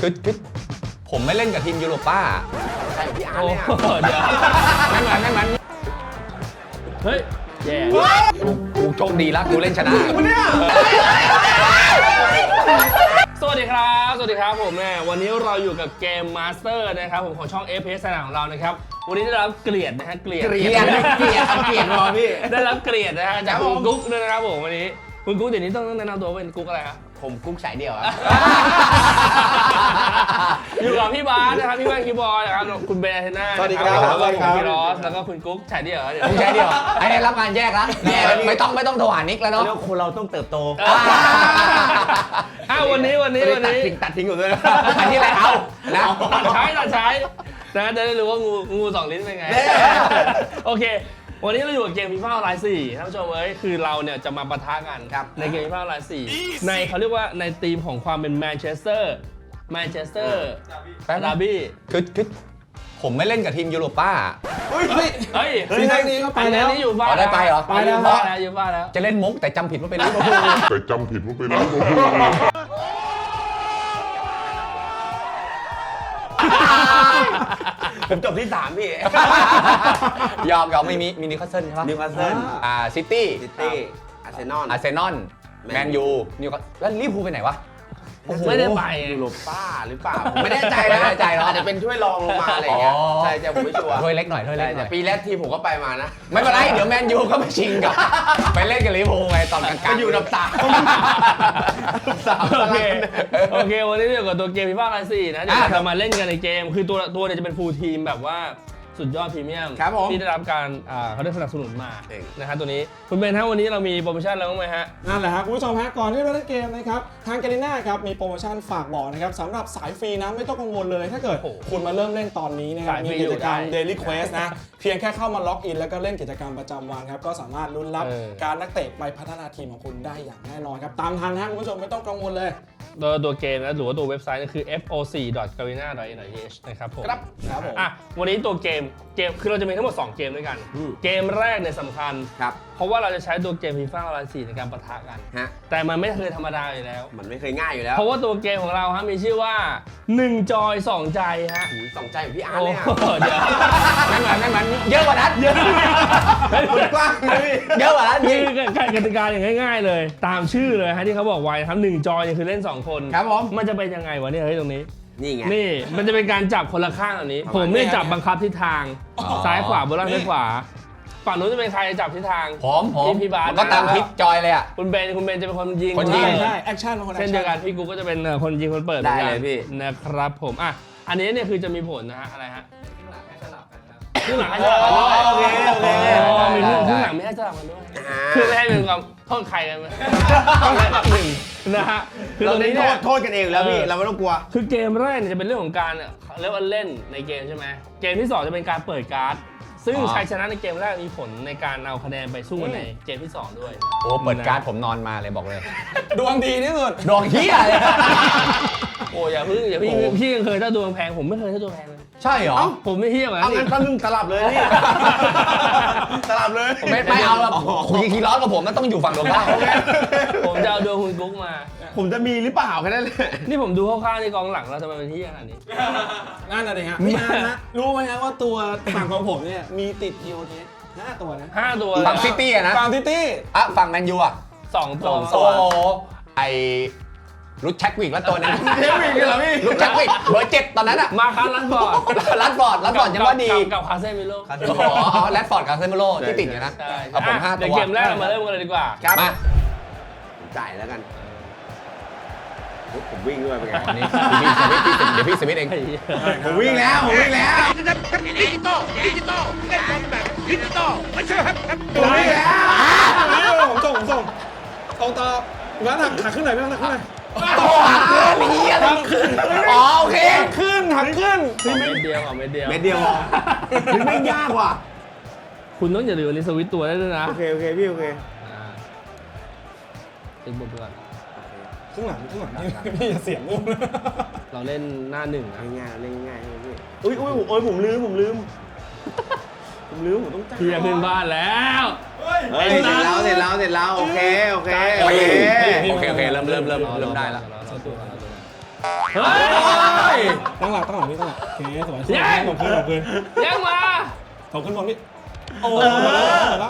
คือผมไม่เล่นกับทีมยูโรป้าใช่พี่อาร์ตเนี่ยเดี๋ยวไม่มันเฮ้ยแย่กูโชคดีแล้วกูเล่นชนะสวัสดีครับผมเนี่ยวันนี้เราอยู่กับเกมมาสเตอร์นะครับผมของช่อง FPS สนามของเรานะครับวันนี้ได้รับเกลียดนะฮะเกลียดรอพี่ได้รับเกลียดนะฮะจากคุณกุ๊กด้วยนะครับผมวันนี้คุณกุ๊กเดี๋ยวนี้ต้องแนะนำตัวเป็นกุ๊กอะไรครับผมกุ๊กสายเดี่ยวครับอยู่กับพี่บาสนะครับพี่แว่นคีย์บอร์ดนะครับคุณเบนอาเทน่าสวัสดีครับแล้วก็คุณพี่รอสแล้วก็คุณกุ๊กฉายเดี่ยวผมฉายเดี่ยวไอ้รับงานแยกแล้วไม่ต้องโทรหานิกแล้วเนาะเรื่องคนเราต้องเติบโตวันนี้ตัดทิ้งอยู่ด้วยนะอันนี้อะไรเอานะตัดใช้นะจะได้รู้ว่างูสองลิ้นเป็นไงโอเควันนี้เราอยู่กับเกมฟีฟ่าออนไลน์4ท่านผู้ชมคือเราเนี่ยจะมาปะทะกันในเกมฟีฟ่าออนไลน์4ในเขาเรียกว่าในธีมของความเป็นแมนเชสเตอร์ดาร์บี้คือผมไม่เล่นกับทีมยูโรป้าซีซั่นนี้ก็ไปแล้วนี่อยู่บ้านได้ไปเหรอไปแล้วอยู่บ้านแล้วจะเล่นมุกแต่จำผิดว่าเป็นลิเวอร์พูลผมจบที่3พี่ยอมไม่มีนิวคาสเซิลใช่ปะนิวคาสเซิลซิตี้อาร์เซนอลแมนยูนิวคาสแล้วลิเวอร์พูลไปไหนวะไม่ได้ไปยูโรป้าหรือเปล่าผมไม่แน่ใจนะอาจจะเป็นถ้วยรองลงมาอะไรอย่างเงี้ยใช่ผมไม่ชัวร์ถ้วยเล็กหน่อยแต่ปีแรกทีผมก็ไปมานะไม่เป็นไรเดี๋ยวแมนยูก็ไปชิงกับไปเล่นกับลิเวอร์พูลไงตอนกลางๆอยู่ดับ3 โอเควันนี้เดี๋ยวกับตัวเกมฟีฟ่าออนไลน์4นะเดี๋ยวเรามาเล่นกันในเกมคือตัวเนี่ยจะเป็นฟูลทีมแบบว่าสุดยอดพรีเมียมที่ได้รับการเขาได้สนับสนุนมานะฮะตัวนี้คุณเบนฮะวันนี้เรามีโปรโมชั่นอะไรบ้างไหมฮะนั่นแหละครับคุณผู้ชมฮะก่อนที่เราเล่นเกมนะครับทางกาลิน่าครับมีโปรโมชั่นฝากบอกนะครับสำหรับสายฟรีนะไม่ต้องกังวลเลยถ้าเกิดคุณมาเริ่มเล่นตอนนี้นะครับมีกิจกรรม Daily Quest นะเพียงแค่เข้ามาล็อกอินแล้วก็เล่นกิจกรรมประจำวันครับก็สามารถลุ้นรับการนักเตะไปพัฒนาทีมของคุณได้อย่างแน่นอนครับตามทันนะคุณผู้ชมไม่ต้องกังวลเลยตัวเกมนะหรือว่าตัวเว็บไซต์คือ foc.garena.nh นะครับผมครับผมวันนี้ตัวเกมคือเราจะมีทั้งหมด2เกมด้วยกันเกมแรกเนี่ยสำคัญเพราะว่าเราจะใช้ตัวเกมฟีฟ่าออนไลน์4ในการปะทะกันแต่มันไม่เคยธรรมดาอยู่แล้วมันไม่เคยง่ายอยู่แล้วเพราะว่าตัวเกมของเราฮะมีชื่อว่า1จอย2ใจฮะ 2ใจของพี่อาร์ตเนี่ยเดี๋ยวไม่มันเยอะกว่านั้นเยอะกว้างเลยเยอะกว่านั้นนี่คือกติกาอย่างง่ายๆเลยตามชื่อเลยฮะที่เขาบอกไว้ครับ1จอยคือเล่น2คนครับผมมันจะเป็นยังไงวะเนี่ยตรงนี้นี่ไงนี่มันจะเป็นการจับคนละข้างแบบนี้ผมเนี่ยจับบังคับทิศทางซ้ายขวาบนล่างซ้ายขวาฝั่งนู้นจะเป็นใครจับทิศทางผมพี่บาสก็ตามทิศจอยเลยอ่ะคุณเบนจะเป็นคนยิงใช่แอคชั่นเช่นเดียวกันพี่กูก็จะเป็นคนยิงคนเปิดได้เลยพี่นะครับผมอันนี้เนี่ยคือจะมีผลนะฮะอะไรฮะครึ่งหลังให้สลับกันด้วยโอเคมีครึ่งหลังไม่ให้สลับกันด้วยคือไม่ให้เป็นความโทษใครกันต้องเล่นแบบหนึ่งนะฮะคือตรงนี้เนี่ยโทษกันเองแล้วพี่เราไม่ต้องกลัวคือเกมแรกเนี่ยจะเป็นเรื่องของการเรียกว่าเล่นในเกมใช่ไหมเกมที่2จะเป็นการเปิดการ์ดซึ่งชัยชนะในเกมแรกมีผลในการเอาคะแนนไปสู้ในเกมที่2ด้วยโอ้เปิดการ์ดผมนอนมาเลยบอกเลยดวงดีที่สุดดวงเฮียเลยโอ้อย่าพี่ยังเคยถ้าดวงแพงผมไม่เคยถ้าดวงแพงเลยใช่เหรอผมไม่เฮี้ยเหมือนกันงั้นตั้งสลับเลยนี่สลับเลยไม่เอาแล้วคุยคีร้อนกับผมมันต้องอยู่ฝั่งตรงข้ามผมจะเอาดวงคุณกุ๊กมาผมจะมีหรือเปล่าแค่นั้นเลยนี่ผมดูคร่าวๆในกองหลังเราจะมาเป็นที่ขนาดนี้นั่นอะไรฮะพี่อาร์นะรู้ไหมฮะว่าตัวฝั่งของผมเนี่ยมีติดทีโอเทส5 ตัวนะ 5 ตัวฝั่งซิตี้นะฝั่งซิตี้ฝั่งแมนยู 2 ตัวโอ้ไอรุดแช็กวิกแล้วตัวนึงเช็กวิกเหรอพี่รุดแช็กวิกเบอร์7ตอนนั้นอ่ะมาคัสลัดฟอร์ดยังว่าดีกับคาเซมิโลแรดฟอร์ดคาเซมิโลที่ติดอยู่นะเอาผม5 ตัวเกมแรกมาเริ่มกันเลยดีกว่ามาจ่ายแล้วกันผมวิ่งด้วยเป็นไงนี่เดี๋ยวพี่สวิตเองผมวิ่งแล้วดิจิตอลเล่นบอลแบบดิจิตอลไม่ใช่ครับผมวิ่งแล้วผมส่งตรงต่องั้นหักขึ้นหน่อยไม่ต้องหักขึ้นหน่อยหักขึ้นนี่อะไรขึ้นโอเคขึ้นหักขึ้นเม็ดเดียวเม็ดเดียวถึงไม่ยากว่ะคุณต้องอย่าลืมอันนี้สวิตตัวได้ด้วยนะโอเคพี่โอเคติดบทก่อนข้างหลังพี่อย่าเสียงงูเราเล่นหน้า1นะง่ายพี่อุ้ยผมลืมผมต้องจ่ายพี่จะขึ้นบ้านแล้วเสร็จแล้วโอเคเริ่มได้แล้วเฮ้ยเคสวยส่งคืนยังมาส่งขึ้นบนนี่โอ้มาแล้ว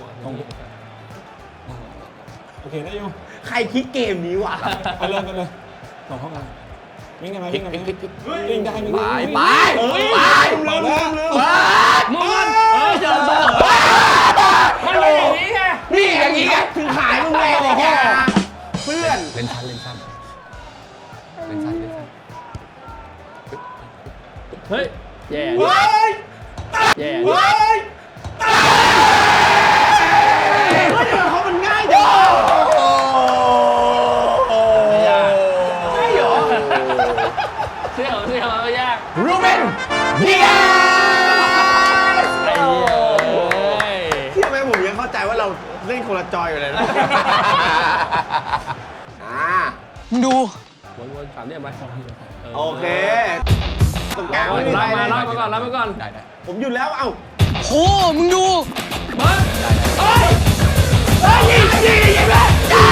โอเคได้อยู่ใครคิดเกมนี้วะไปเลยส่งเข้ามาวิ่งได้ไหมวิ่งได้ไหมพลิกวิ่งได้วิ่งได้ไปเปิดแล้วมันเจอตัวมันเป็นอย่างนี้ไงนี่อย่างนี้ไงถึงขายมึงเลยแกเพื่อนเล่นชั้นเฮ้ยแย่แย่เขามันง่ายจังใช่เหรอเสี่ยวไม่ยากรูเบนเดียไอ้เหี้ยที่ทำไมผมยังเข้าใจว่าเราเล่นคนละจอยอยู่เลยนะดูวนๆถามเนี่ยไหมโอเคตรงกลางรับมาก่อนได้ผมหยุดแล้วเอ้าเฮ้ยยิงเลย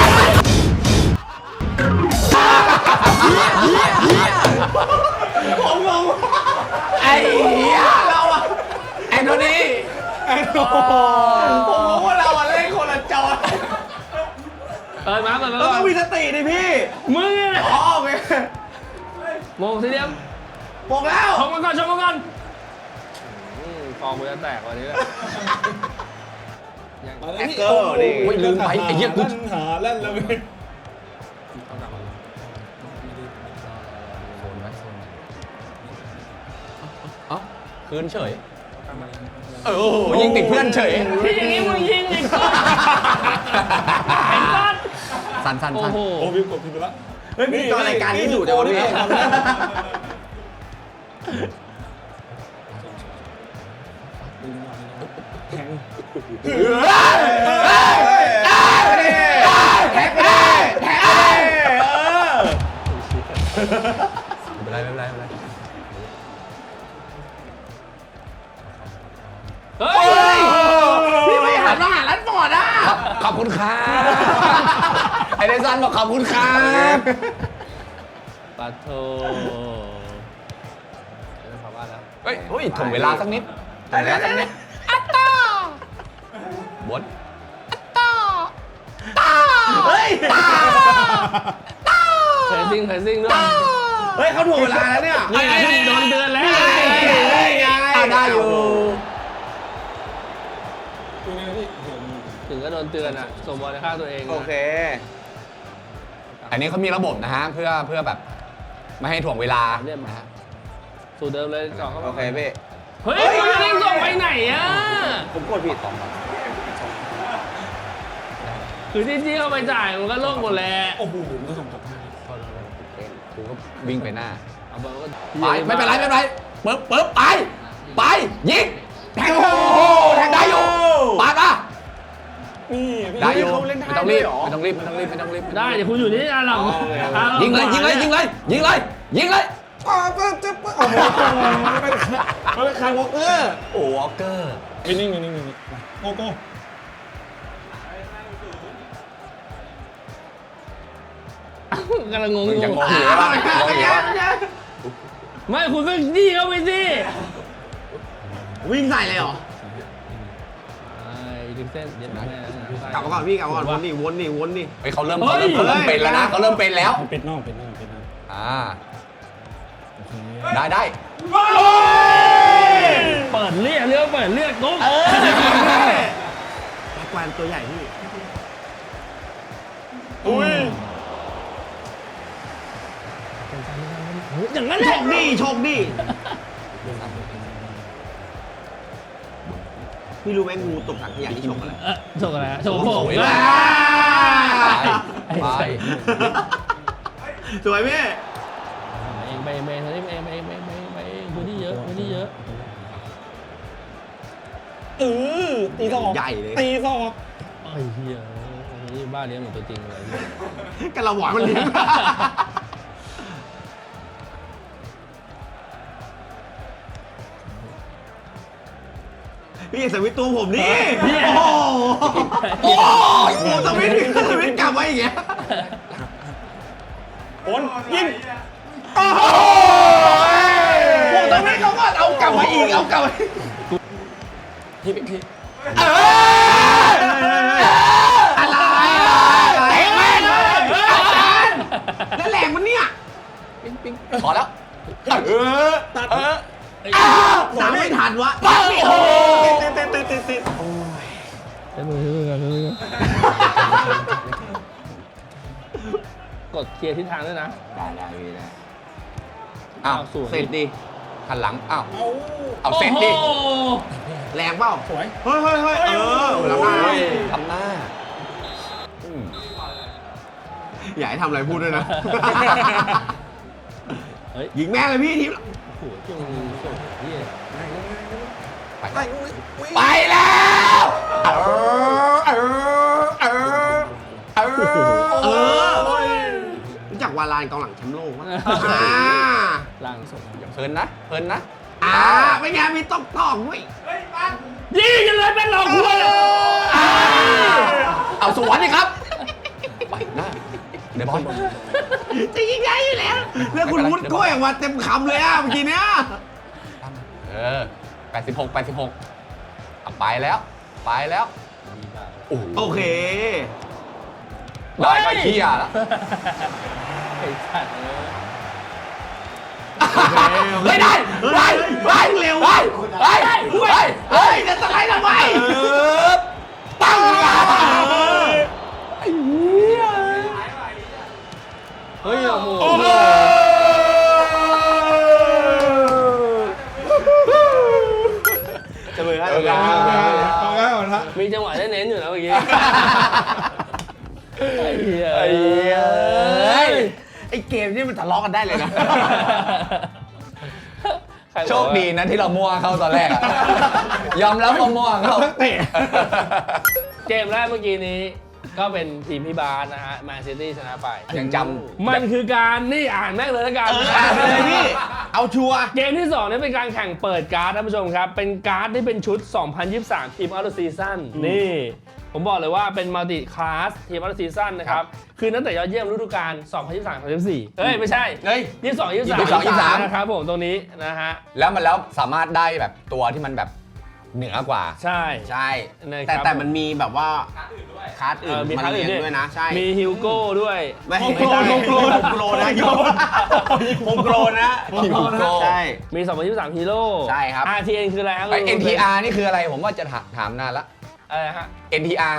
ผมงงไอ้เหี้ยเราอะแอนโทนีผมรู้ว่าเราเล่นคนละจอยมาก่อนเราต้องมีสติดิพี่มึงเนี่ยอ๋อโอเคโมงสี่เหลี่ยมบอกแล้วชมกันก่อนฟองมือจะแตกวันนี้แหละแอคเกอร์นี่โอ้ยลืมไปไอ้เหี้ยกูหาเล่นแล้วเว้ยเอ้าคืนเฉยโอ้โหยิงติดเพื่อนเฉยที่อย่างนี้มึงยิงอีกไอ้สัตว์สั้นโอ้โหโอ้วิวกดผิดไปแล้วเฮ้ยพี่ตอนรายการนี้ดุจังวะพี่แทงแท็กไม่ได้แท็กไม่ได้ไม่เป็นไรเฮ้ยพี่ไม่หันมาหาร้านฟอร์ดอ่ะขอบคุณครับไอ้เดซันบอกขอบคุณครับปาโทไม่ขอว่าแล้วเฮ้ยถ่วงเวลาสักนิดถ่วงเวลาสักนิดบดเฮ้ยเพรสซิ่งด้วยเฮ้ยเขาถูกเวลาแล้วเนี่ยนี่โดนเตือนแล้วได้อยู่ถึงก็โดนเตือนอ่ะส่งบอลในข้างตัวเองโอเคอันนี้เขามีระบบนะฮะเพื่อแบบไม่ให้ถ่วงเวลานะฮะสูตรเดิมเลยจ่อเข้าโอมาเคพี่เฮ้ยมึงจะเล่นส่งไปไหนอ่ะผมกดผิดคือที่จี้เข้าไปจ่ายมันก็โล่งหมดแหละโอ้โหมันจะส่งกลับมากูก็วิ่งไปหน้าเอาบอลก็ไปไม่เป็นไรปึ๊บไปยิงแทงโอ้โหแทงได้อยู่ปาดมานี่พี่ได้อยู่เขาเล่นได้ไม่ต้องด้รีวยบเหรอไม่ต้องรีบได้เดี๋ยวคุณอยู่นี่อ่ะหลังยิงเลยป้าโอ้โหมันเป็นคาร์วอล์กเกอร์โอ้วอลเกอร์นิ่งโกโก้กำลังงงยังงงออยู่ ยู่ว่าไม่คุณก็จี้เข้าไปสิวิ่งใส่เลยเหรอดึงเส้นเดี๋ยวแม่กลับมาก่อนพี่กลับมาก่อนวนนี่เฮ้ยเขาเริ่มเป็นแล้วนะเขาเริ่มเป็นแล้วปิดนอกอ่าได้เปิดเรียกเปิดเรียกกุ๊กแบ็คแวนตัวใหญ่พี่อุ้ยอย่างนั้นโชแหละคดีพี่รู้ไหมงูตกถังขยะที่ฉกอะไรโชกอะไรโชกโผล่ไปสวยพี่เองไปพื้นที่เยอะตีศอกใหญ่เลยตีศอกไอ้เหี้ยนี่บ้าเลี้ยงเหมือนตัวจริงเลยกระหว่างมันเลี้ยงพี่อย่าสวิตตัวผมนี่โอ้โหสวิตกลับไว้อย่างเงี้ยโอนยิงโอ้โหโอ้สวิตงเอากลับพี่อะไรแรงแม่งอาจารย์แล้วแรงมันเนี่ยพอแล้วตัดตามไม่ทันวะโอ้โหติดใช้มือกันกดเคลียร์ทิศทางด้วยนะได้พี่ได้อ้าวสวยเสร็จดิหันหลังอ้าวเอาเอาเสร็จดิโอ้โหแรงเปล่าสวยเฮ้ยแล้วมาทำหน้าอืมอย่าให้ทำอะไรพูดด้วยนะเฮ้ยยิงแม่งเลยพี่ทีมโอ้โหเจ้ามือส่งเฮียไปแล้วรู้จักวาลานกองหลังแชมป์โลกปะล่างส่งเพลินนะเพลินนะไม่ไงมีตอกด้วยยิงกันเลยเป็นหลอกหัวเลยเอาสวนดิครับไปหน้าเดี๋ยวบอลจะยิงได้อยู่แล้วแล้วคุณวุฒิกล้วยออกมาเต็มคำเลยเมื่อกี้เนี้ย 86อ่ะไปแล้วโอโอ้โหเคได้ก็เฮียแล้วไอ้สัตว์ไม่ได้ไปเร็วไปจะสไลด์ทำไมตั้งเฮ้ยโอ้โหจะเลยให้เอาง่ายก่อนฮะมีจังหวะได้เน้นอยู่นะเมื่อกี้ไอ้เหี้ยไอเกมนี่มันทะเลาะกันได้เลยนะโชคดีนะที่เรามั่วเข้าตอนแรกอะยอมรับว่ามั่วเข้าเตะเกมแรกเมื่อกี้นี้ก็เป็นทีมพี่บาสนะฮะแมนซิตี้ชนะไปยังจมันคือการนี่อ่านแม่งเลยละกันอ่านไปเลยพี่ เอาชัวร์เกมที่2เนี่ยเป็นการแข่งเปิดการ์ดท่านผู้ชมครับ เป็นการ์ดที่เป็นชุด 2023 ทีมอัลซีซั่นนี่ ผมบอกเลยว่าเป็นมัลติคลาสทีมอัลซีซั่นนะครับ คือนักเตะยอดเยี่ยมฤดูกาล 2023-2024 เฮ้ย ไม่ใช่เฮ้ย 22-23 นะครับผมตรงนี้นะฮะแล้วสามารถได้แบบตัวที่มันแบบเหนือกว่าใช่ใช่นะครับแต่มันมีแบบว่าคาร์ดอื่นมีมาทั้งเรีอื่ยนนด้วยนะ ใช่มีฮิวโก้ด้วยไม่โฮมโปรได้โฮมโปรโฮมโปรนะโยโฮมโปรนะฮิวโก้ใช่มี 2023 ฮีโร่ใช่ครับ RTN คืออะไรครับไอ NTR นี่คืออะไรผมว่าจะถามนานละอะไรฮะ NTR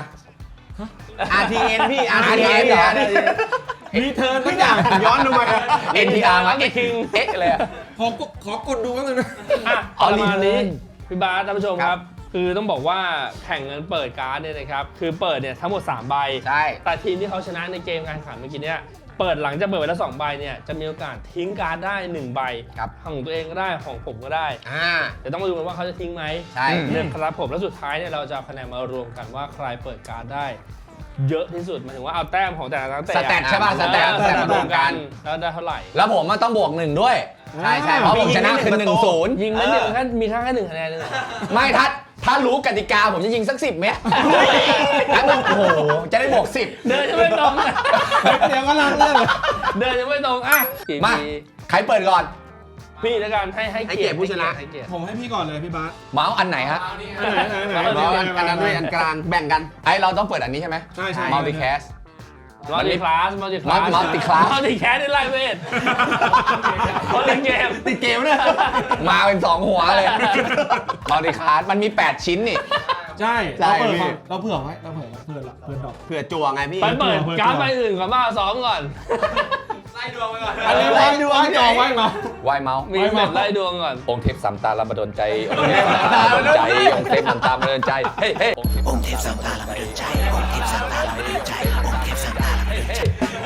RTN พี่ RTN เหรอมีเทิร์นทุทุกกออย่าย่าง งย้อนดูมา NTR มาเอ๊ะเลยอะขอกดดูกันเลยนะอ่ะอ๋อประมาณนี้ return พี่บาสท่านผู้ชมคครัรับ บ คือต้องบอกว่าแข่งกันเปิดการ์ดเนี่ยนะครับ คือเปิดเนี่ยทั้งหมด 3 ใบใช่แต่ทีมที่เขาชนะในเกมการแข่งขันเมื่อกี้เนี่ยเปิดหลังจากเปิดไปแล้ว2ใบเนี่ยจะมีโอกาสทิ้งการ์ดได้ 1 ใบครับของตัวเองก็ได้ของผมก็ได้ เดี๋ยวต้องมาดูกันว่าเขาจะทิ้งไหมใช่เนี่ยครับผมแล้วสุดท้ายเนี่ยเราจะเอาคะแนนมารวมกันว่าใครเปิดการ์ดได้ เยอะที่สุดหมายถึงว่าเอาแต้มของแต่ละนักเตะสแตทใช่ป่ะสแตทมารวมกันแล้วได้เท่าไหร่แล้วผมต้องบวก1ด้วยใช่ใช่เพราะผมชนะคือ1-0 ยิงไม่เดียวแค่มีแค่1คะแนนเลยเหรอไม่ถ้ารู้กติกาผมจะยิงสัก10 เมตรแล้วโอ้โหจะได้บวก10 เดินจะไม่ตรงอะเดี๋ยวก็ลังเรื่องเลยเดินจะไม่ตรงอ่ะมาใครเปิดก่อนพี่แล้วกันให้ให้เกียรติผู้ชนะให้เกียรติผมให้พี่ก่อนเลยพี่บาสเมาส์อันไหนฮะไหนอันนั้นด้วยอันกลางแบ่งกันไอเราต้องเปิดอันนี้ใช่ไหมใช่ใช่มัลติแคสมัลติคลาสมัลติคลาส Multi-class มัลติแคสได้ไล่เวทเขาเล่นเกมติดเกมเนี่ยมาเป็น2 หัวเลยมัลติคลาสมันมี 8 ชิ้นนี่ใช่ใช่เราเปิดพี่เราเผื่อไว้เราเผื่อดอกเผื่อจั่วไงพี่ไปเปิดการ์ดใบอื่นก่อนมาซ้อมก่อนอันนี้ไว้ดูว่าจอไว้เหรอวายเมาส์มีแบบไล่ดวงก่อนองค์เทพสามตาลำบดลใจองค์เทพสามตาลำบดลใจองค์เทพสามตาลำบดลใจเฮ้ยเฮ้ยองค์เทพสามตาลำบดลใจ องค์เทพสามตาลำบดลใจ องค์เทพสามตาลำบดลใจ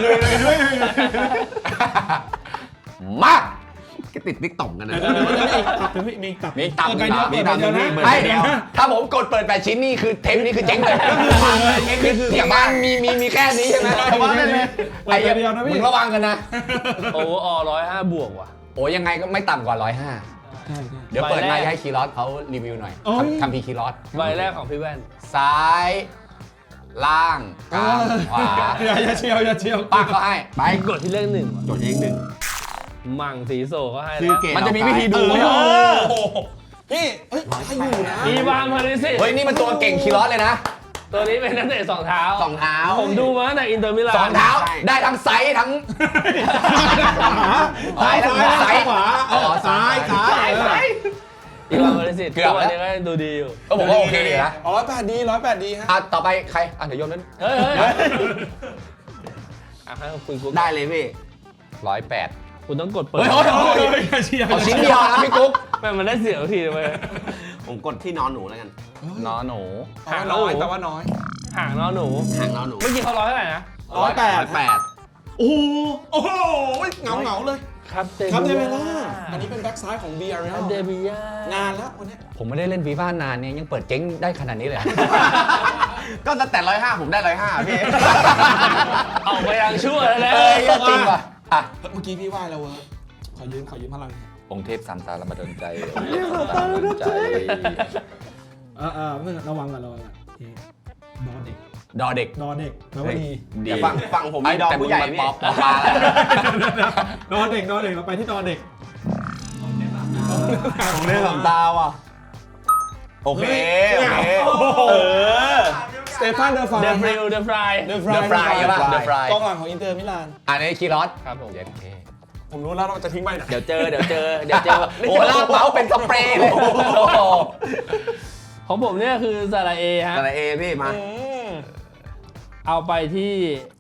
มาก็ติดติ๊กต่องกันนะตับมีอีกตับมีตับเปิดใบเดียวมีเปิดตัใบบ เดียวนะมีไอ้เดียวถ้าผมกดเปิด 8 ชิ้นนี่คือเทปนี้คือเจ๊งเลยคือที่บ้านมีแค่นี้ใช่ไหมแต่ว่าไม่มีเปิดใบเดียวนะมึพี่งระวังกันนะโอ้อ105 บวกว่ะโอ้ยังไงก็ไม่ต่ำกว่า 105 ใช่ใช่เดี๋ยวเปิดใบแรมาก ให้คีรอสเขารีวิวหน่อยโอ้ยทำพีคีรอสใบแรกของพี่แว่นซ้าย ล่างกลางขวาอย่าเชียวปักก็ให้ไปกดที่เลข1ว่ะจดเองหนึ่งมั่งสีโซก็ให้ชื่อเกมมันจะมีวิธีดูเออโอ้โหพี่เฮ้ยใครอยู่นะอีวานพาริสิตเฮ้ยนี่มันตัวเก่งคีรอสเลยนะตัวนี้เป็นนักเตะ2 เท้าสองเท้าผมดูมาตั้งแต่อินเตอร์มิลาน 2 เท้าได้ทั้งไซส์ทั้งซ้ายซ้ายซ้ายขวาอ๋อซ้ายซ้ายอีวานพาริสิตเกือบตัวแล้วนี้ก็ดูดีอยู่ก็ผมว่าโอเคดีนะ 108 ดีฮะต่อไปใครเดี๋ยวโยนนั้นเฮ้ยให้คุณกุ๊กได้เลยพี่ 108 คุณต้องกดเปิดเฮ้ยเอาชิ้นเดียวนะพี่กุ๊กแม่งมันได้เสียงทีเลยผมกดที่นอนหนูแล้วกันนอหนูห่างน้อยหนูแต่ว่าน้อยห่างนอนหนูห่างนอนหนูเมื่อกี้เขาร้อยเท่าไหร่นะ 108 โอ้โหเงาเลยครับเดครับเดเวล่าอันนี้เป็นแบ็กซ้ายของเบียร์ครับเดบิยานานแล้ววันนี้ผมไม่ได้เล่นฟีฟ่านานเนี่ยยังเปิดเจ๊งได้ขนาดนี้เลยก็ตั้งแต่105ผมได้105พี่ออกไปยังชั่วแล้วเอ้ยจริงป่ะอ่ะเมื่อกี้พี่ไหว้แล้วเว้ยขอยืมพลังองค์เทพสามตาละมาดนใจนี่ระวังกันดอเด็กดอเด็กแปลว่าดีดีแต่ฝั่งผมมีดอกผู้ใหญ่พี่ป๊อปปลาแล้วดอเด็กเราไปที่ดอเด็กผมเล่นสองตาว่ะโอเคสเตฟานเดอฟาเดฟริลเดฟราย The Fry ใช่ป่ะ The Fry กองหลังของอินเตอร์มิลานอันนี้คีรอสครับผมเย็นเคผมรู้แล้วเราจะทิ้งไปไหนเดี๋ยวเจอโอ้ลากเมาส์เป็นสเปรย์เลยของผมเนี่ยคือซาลาเอฮะแต่ละเอพี่มาเอาไปที่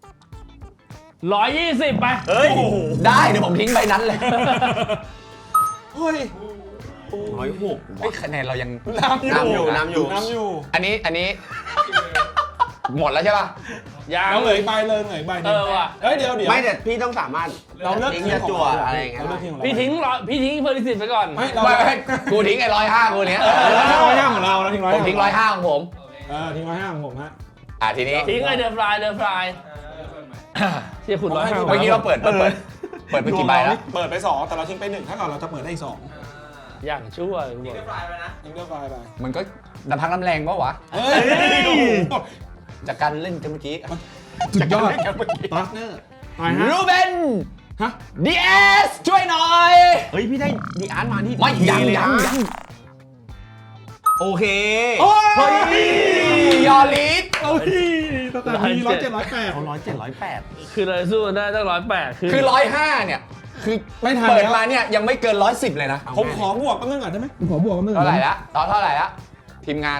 120ไปเฮ้ยได้เดี๋ยวผมทิ้งใบนั้นเลยเฮ้ย 106 เฮ้ยคะแนนเรายังน้ำอยู่น้ำอยู่อันนี้หมดแล้วใช่ป่ะยังเราเหนื่อยใบเลยเหนื่อยใบว่ะเฮ้ยเดี๋ยวไม่แต่พี่ต้องสามารถเราเลือกทิ้งทีมจะของจั่วเราอะไรอย่างเงี้ยเราเลือกทีมของเราพี่ทิ้งเพอร์ลิสิตไปก่อนไม่เราไม่กูทิ้งไอ้105กูเนี้ย 105ของเราเราทิ้งผมทิ้ง105ของผมทิ้ง105ของผมฮะทีนี้ทิ้งไอ้เดฟรายเชี่ยคุณ105 เมื่อกี้เราเปิดไปกี่ใบแล้วเปิดไป2แต่เราทิ้งไป1ถ้าเกิดเราจะเปิดได้อีก2 อย่างชั่วคุณบอกทิ้งเลือกไปมันก็น้ำพักน้ำแรงปะวะเฮ้ยจากการเล่นกันเมื่อกี้สุดยอดพาร์ทเนอร์ไปฮะรูเบนฮะดีเอสช่วยหน่อยเฮ้ยพี่ได้ดีอาร์ตมาที่ไม่ยังเลยนะยังโอเคโอ้ยยอลิสโอ้ยแต่มี107 108 เขา107 คือเราสู้ได้ตั้ง108 คือ105เนี่ย คือไม่ทันเปิดแล้วมาเนี่ยยังไม่เกิน110เลยนะผมขอบวกแป๊บนึงก่อนได้ไหมผมขอบวกแป๊บนึงเท่าไหร่ละตอนเท่าไหร่ละทีมงาน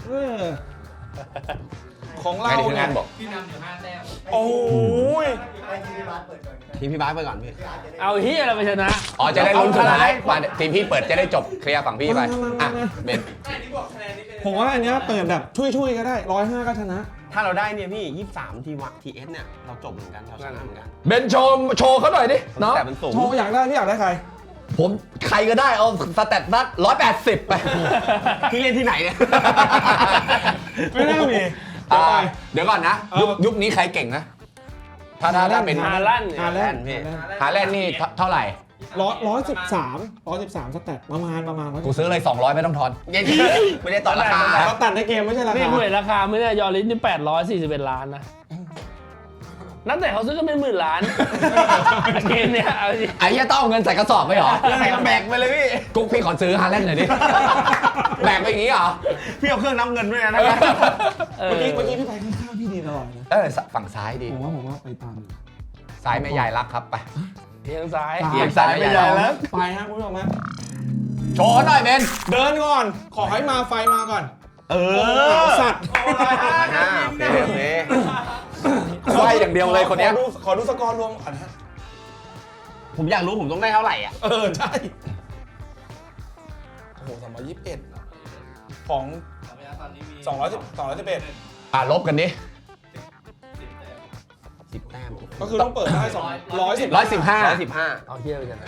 ของเราใครทีมงานบอกโอ้ยทีมพี่บาสไปก่อนพี่เอาเฮียอะไรไปชนะอ๋อจะได้ลุ้นสุดท้ายมาทีมพี่เปิดจะได้จบเคลียร์ฝั่งพี่ไปอ่ะเบนผมว่าอันเนี้ยเปิดแบบช่วยๆก็ได้105ก็ชนะถ้าเราได้เนี่ยพี่23ทีเอสเนี่ยเราจบเหมือนกันเราชนะเหมือนกันเบนโชว์เขาหน่อยดิเนาะแต่มันสูงโชว์อยากได้พี่อยากได้ใครผมใครก็ได้เอาสแตทนัด180ไปพี่เล่นที่ไหนเนี่ยไม่น่ามีเดี๋ยวก่อนนะยุคนี้ใครเก่งนะถ้าเป็นฮาลั่นด์ฮาแลนด์หาแลนด์นี่เท่าไหร่ 113สแตทประมาณกูซื้อเลย200ไม่ต้องทอนไม่ได้ตอนราคาสแตทในเกมไม่ใช่รานี่คากูเห็นราคาไม่ได้ยอริสนี่841 ล้านนะนักเตะเขาซื้อกันเป็น10,000 ล้านเกมเนี้ยเอาดิไอ้เหี้ยต้องเอาเงินใส่กระสอบไปเหรอใส่แบกไปเลยพี่กุ๊กพี่ขอซื้อฮาแลนด์หน่อยดิ แบกไปอย่างนี้เหรอพี่เอาเครื่องนับเงินด้วยนะเออเมื่อกี้พี่ไปข้างๆพี่ดีตลอดนะฝั่งซ้ายดีผมว่าไปตามซ้ายแม่ยายรักครับไปเทียงซ้ายเอียงซ้ายไม่ใหญ่แล้วไปฮะคุณผู้ชมฮะโชว์หน่อยเบนเดินก่อน ขอให้มาไฟมาก่อนเอสัตว์โอเคไฟอย่างเดียวเลยคนเนี้ยขอดูสกอร์รวมก่อนฮะผมอยากรู้ผมต้องได้เท่าไหร่อ่ะใช่โอ้โห321ของ211 ลบกันดิ 10 แต้มก็คือต้องเปิดได้210 115 115 เอาเฮียไปกันนะ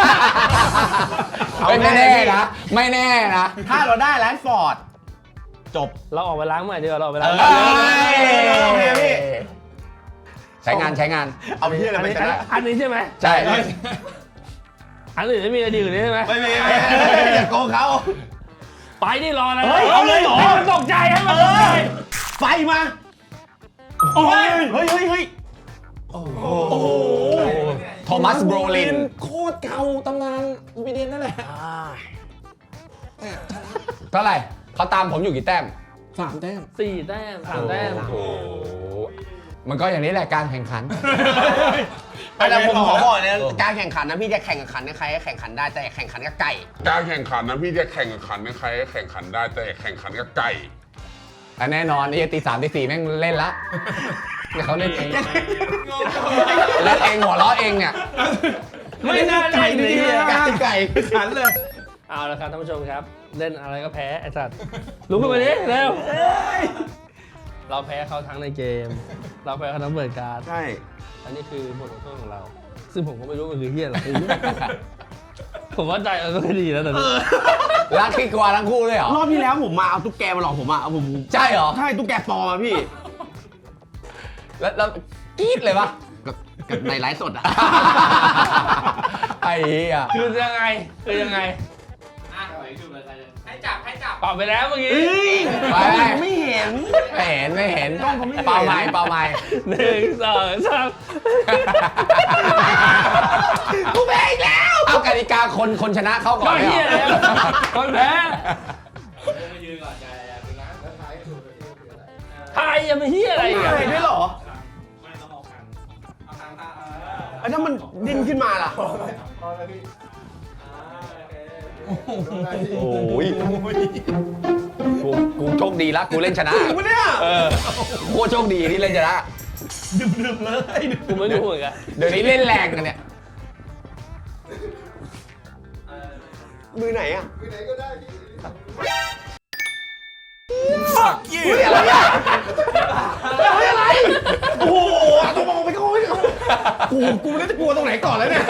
ไม่แน่นะ ไม่แน่นะถ้าเราได้แรดฟอร์ดจบเราออกไปล้างใหม่ดีกว่าเราออกไปล้างโอเคพี่ใช้งานเอาพี่อะไรไปชนะอันนี้ใช่ไหมใช่อันอื่นไม่มีอะไรดีกว่านี้ใช่ไหมไม่อย่าโกงเขาไปนี่รออะไรเฮ้ยเอาเลยเหรอให้มันตกใจให้มันตกใจไฟมาโอ้ยเฮ้ยโอ้โหโทมัสโบรลินโคตรเก่าตำนานวีเดนนั่นแหละเนี่ยชนะเท่าไหร่เขาตามผมอยู่กี่แต้ม 3 แต้ม 4 แต้ม 3 แต้มโอ้โหมันก็อย่างนี้แหละการแข่งขันแต่ผมขอบอกนะการแข่งขันนะพี่จะแข่งขันกับใครก็แข่งขันได้แต่แข่งขันกับไก่การแข่งขันนะพี่จะแข่งขันในใครแข่งขันได้แต่แข่งขันกับไก่อันแน่นอนไอ้ตี 3 ตี 4แม่งเล่นละเนี่ยเขาเล่นเองแล้วเองหัวเราะเองเนี่ยไม่น่าเล่นเลยไก่ขันเลยเอาละครับท่านผู้ชมครับ เล่นอะไรก็แพ้ไอ้สัตว์ลุกขึ้นมาดิเร็วเราแพ้เขาทั้งในเกม เราแพ้เขาทั้งเปิดการ์ดใช่อันนี้คือบทลงโทษของเรา ซึ่งผมก็ไม่รู้มันคือเฮียอะไร ผมว่าใจมันก็ไม่ดีแล้วแต่นี้รักขี้กลัวทั้งคู่เลยเหรอรอบที่แล้วผมมาเอาตุ๊กแกมาหลอกผมอ่ะผมใช่เหรอใช่ตุ๊กแกปลอมอ่ะพี่แล้วกรี๊ดเลยปะกับในไลฟ์สดอ่ะไอ้เหี้ยคือยังไงคือยังไงให้จับเป่าไปแล้วเมื่อกี้ไปไม่เห็นไม่เห็นเป่าไม้เป่าไม้ 1 2 3 กูแพ้อีกแล้วเอากติกาคนชนะเข้าก่อก็นเฮียไม่แล้วเหรอคนแพ้ไทยยังไม่เฮียอะไรอีกอะอะไรด้วยเหรอไอ้ถ้ามันดิ้นขึ้นมาล่ะโอ้ยกูโชคดีละกูเล่นชนะจริงปะเนี่ยโคตรโชคดีที่เล่นชนะกูไม่รู้เหมือนกันเดี๋ยวนี้เล่นแรงกันเนี่ยมือไหนอ่ะ อะไรโอ้โหตัวมองไปเขาไม่กูไม่รู้จะกลัวตรงไหนก่อนแล้วเนี่ย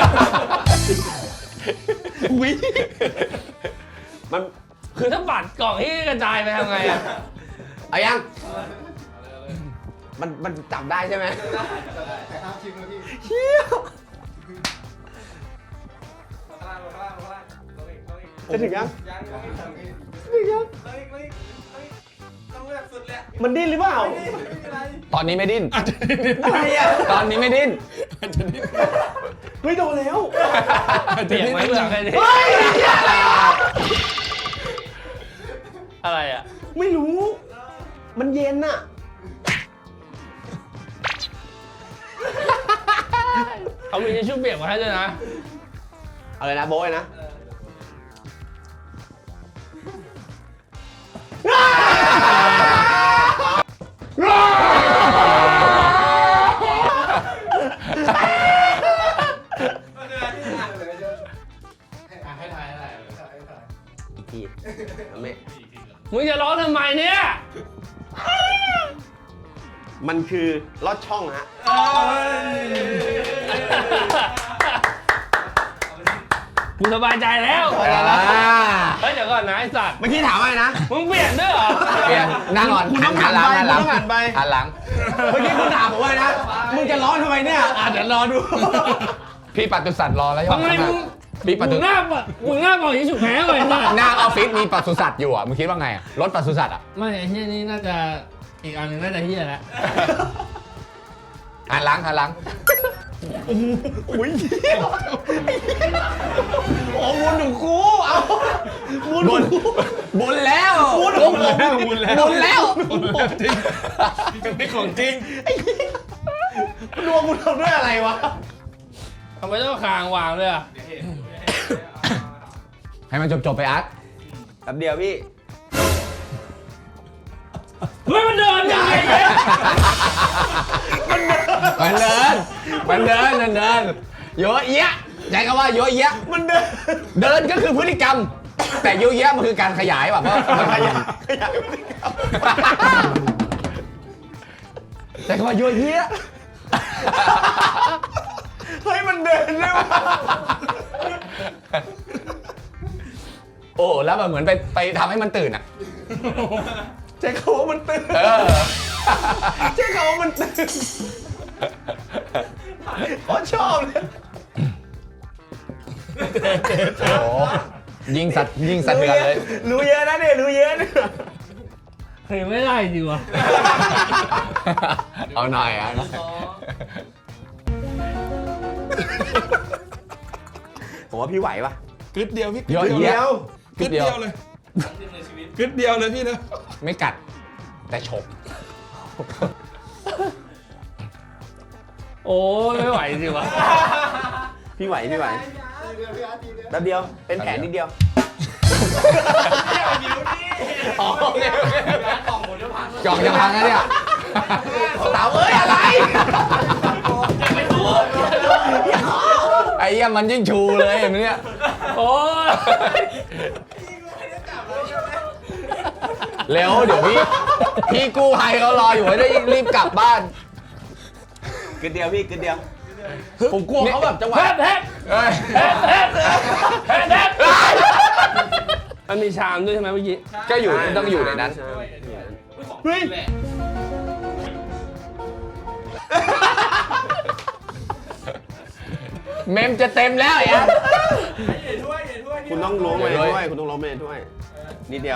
อุ้ยมันคือถ้าบัตรกล่องที่กระจายไปทำไงอะเอายังมันจับได้ใช่ไหม จะถึงยังมันดิ้นหรือเปล่าตอนนี้ไม่ดิ้นอะไรอ่ะตอนนี้ไม่ดิ้นเฮ้ยโดนแล้วเปียกไหมเปลือกใครดิเฮ้ยอะไรอ่ะอะไรอะไม่รู้ มันเย็นอ่ะเขามีทิชชู่เปียกมาให้ด้วยนะอะไรนะโบ้ยนะ อีกทีไม่มึงจะร้องทำไมเนี่ยมันคือลอดช่องฮะกูสบายใจแล้วเฮ้ยเดี๋ยวก่อนนะไอ้สัตว์เมื่อกี้ถามอะไรนะมึงเปลี่ยนด้วยเหรอเปลี่ยนนั่งก่อนคุณต้องหันหลังหัหันนไปหลังคุณต้องหันไปหันหลังเมื่อกี้คุณถามผมว่านะ มึงจะร้อนทำไมเนี่ยเดี๋ยวรอดูพี่ปัตตุสัตว์รอแล้วทำไมมึงพี่ปัตมึตุงหน้าปะมึงหน้าปล่อยทิชชู่แพ้เลยนะหน้าออฟฟิศมีปัตตุสัตว์อยู่อ่ะมึงคิดว่าไงอะรถปัตตุสัตว์อ่ะไม่ไอ้เฮียนี่น่าจะอีกอันหนึงน่าจะเฮียแล้วหันหลังหันหลังอุ้ยโอ้บุญของกูเอาบุญบุญแล้วบุญของผมบุญแล้วนี่ของจริงดวงกูทำด้วยอะไรวะทำไมต้องคางวางด้วยอ่ะให้มันจบไปอาร์ตแป๊บเดียวพี่เฮ้ยมันเดินยังไงเนี่ยมันเดินเยอะแยะใช้คำว่าเยอะแยะมันเดินเดินก็คือพฤติกรรม แต่เยอะแยะมันคือการขยายแบบว่ามันขยายขยายพฤติกรรมใช้คำว่าเยอะแยะเฮ้ยมันเดินด้วยวะโอ้แล้วแบบเหมือนไปทำให้มันตื่นอ่ะใช้คำว่ามันตื่นเออใช้คำว่ามันตื่นเขาชอบเลยโอ้โหยิงสัตว์เดือนเลยรู้เยอะนะเนี่ยรู้เยอะเนี่ยเฮ้ยไม่ได้จริงวะเอาหน่อยอ่ะผมว่าพี่ไหวปะกึดเดียวพี่เยอะกึดแยะเดียวกึดเดียวเลยกึดเดียวเลยพี่นะไม่กัด แต่ฉกโอ้ยไม่ไหวจริงวะพี่ไหวพี่ไหวแป๊บเดียวเป็นแผลนิดเดียวกล่องจะพังแล้วเนี่ยเต๋าเอ้ยอะไรไอ้เหี้ยมันยิ่งชูเลยเห็นไหมเนี่ยโอ้ยเร็วเดี๋ยวพี่กู้ภัยเขารออยู่ให้ได้รีบกลับบ้านกึดเดียวพี่กึดเดียวผมกลัวเขาแบบจังหวะแฮดแฮดเอ้ยแฮดแฮดแฮดแฮดมันมีชามด้วยใช่ไหมเมื่อกี้ก็อยู่ต้องอยู่ในนั้นเฮ้ยเมมจะเต็มแล้วไอ้อันคุณต้องล้วงไปด้วยคุณต้องล้วงไปด้วยนิดเดียว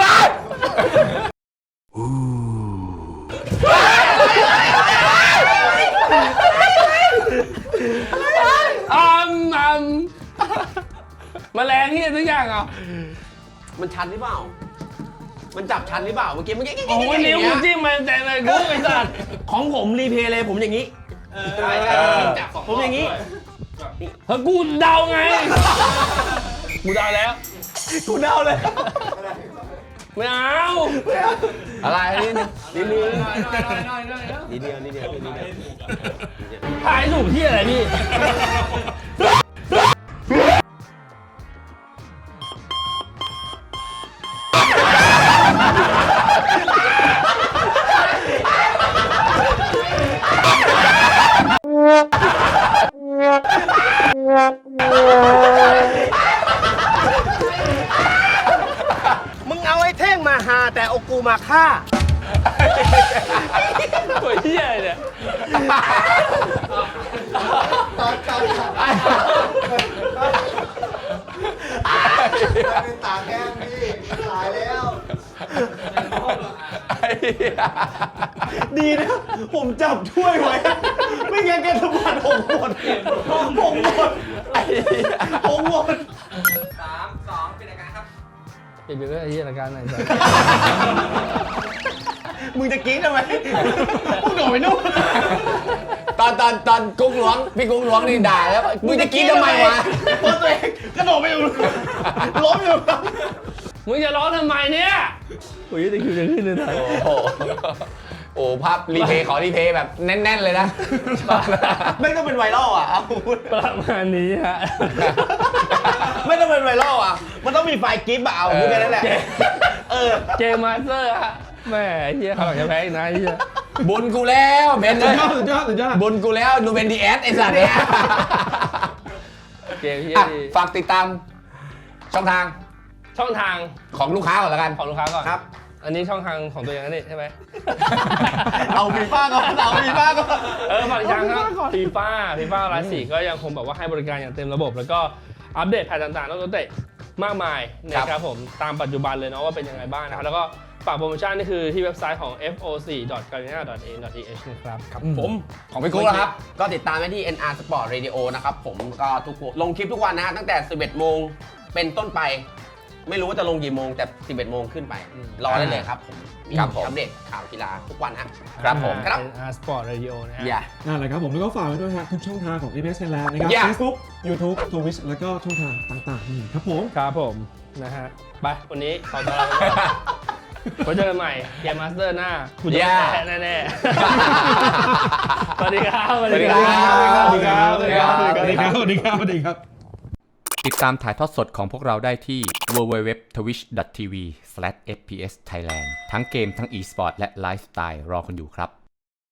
แมลงที่ทุกอย่างอ่ะมันชันหรือเปล่า มันจับชันหรือเปล่าเมื่อกี้โอ้ยนิ้วกูจิ้มมันแต่เลยกูไอ้สัตว์ของผมรีเพย์เลยผมอย่างนี้ผมอย่างนี้เฮ้ยกูเดาไง กูเดาแล้วกูเดาเลยไม่เอาอะไรนี่นิดเดียวนิดเดียวนิดเดียวทายถูกที่อะไรพี่มึงเอาไอ้เท่งมาหาแต่เอากูมาฆ่าตัวเหี้ยอะไรเนี่ยดีนะผมจับถ้วยไว้ ไม่งั้นแกสมบัติผมหมดผมหมดเปลี่ยนไปก็ไอ้เหี้ยรายการไหนสัตว์มึงจะกรี๊ดทำไมมึงโดดไปนู่นตอนกุ้งหลวงพี่กุ้งหลวงนี่ด่าแล้วมึงจะกินทำไมวะเพราะตัวเองกระโดดไปอยู่ล้มอยู่มึงจะร้องทำไมเนี่ยโอ้ยตะคิวจะขึ้นเลยนะโอ้โหโอ้ภาพรีเพย์ขอรีเพย์แบบแน่น ๆ เลยนะไม่ต้องเป็นไวรัลอ่ะเอาประมาณนี้ฮะไม่ต้องเป็นไวรัลอ่ะมันต้องมีไฟล์กิฟต์อะเอาพูดแค่นั้นแหละเกมมาสเตอร์ฮะแม่ไอ้เหี้ยเขาหลังจะแพ้อีกนะไอ้เหี้ยบุญกูแล้วเบนเลยสุดยอดบุญกูแล้วดูเป็นดีแอสไอ้สัตว์เนี่ยเกมเหี้ยอ่ะดีฝากติดตามช่องทางช่องทางของลูกค้าก่อนแล้วกันของลูกค้าก่อนครับอันนี้ช่องทางของตัวเองนะนี่ใช่ไหมเอาฟีฟ่าก่อนเอาฟีฟ่าก่อนฝากอีกครั้งครับฟีฟ่าไลฟ์4ก็ยังคงแบบว่าให้บริการอย่างเต็มระบบ แล้วก็อัปเดตแพทต่างๆนักเตะมากมายนะครับผมตามปัจจุบันเลยเนาะว่าเป็นยังไงบ้างนะครับแล้วก็ฝากโปรโมชั่นนี่คือที่เว็บไซต์ของ foc.garena.a.th นะครับครับผมของพี่กุ้งนะครับก็ติดตามได้ที่ NR Sport Radio นะครับผมก็ลงคลิปทุกวันนะฮะตั้งแต่ 11 โมงเป็นต้นไป ไม่รู้ว่าจะลงกี่โมงแต่ 11 โมงขึ้นไป รอได้เลยครับผมมีครับผมอัปเดตข่าวกีฬาทุกวันฮะครับผมครับ Sport Radio นะฮะอย่านั่นแหละครับผมแล้วก็ฝากไว้ด้วยฮะทุกช่องทางของ EPS Thailand นะครับ Yeah Facebook YouTube Twitch แล้วก็ช่องทางต่างๆนี่ครับผมครับผมนะฮะไปวันนี้ขอตัวลาไปก่อนไว้เจอกันใหม่เกมมาสเตอร์หน้ากูจะแพ้แน่ๆสวัสดีครับสวัสดีครับสวัสดีครับสวัสดีครับสวัสดีครับสวัสดีครับสวัสดีครับติดตามถ่ายทอดสดของพวกเราได้ที่ www.twitch.tv/fpsthailand ทั้งเกมทั้ง e-sport และไลฟ์สไตล์รอคุณอยู่ครับ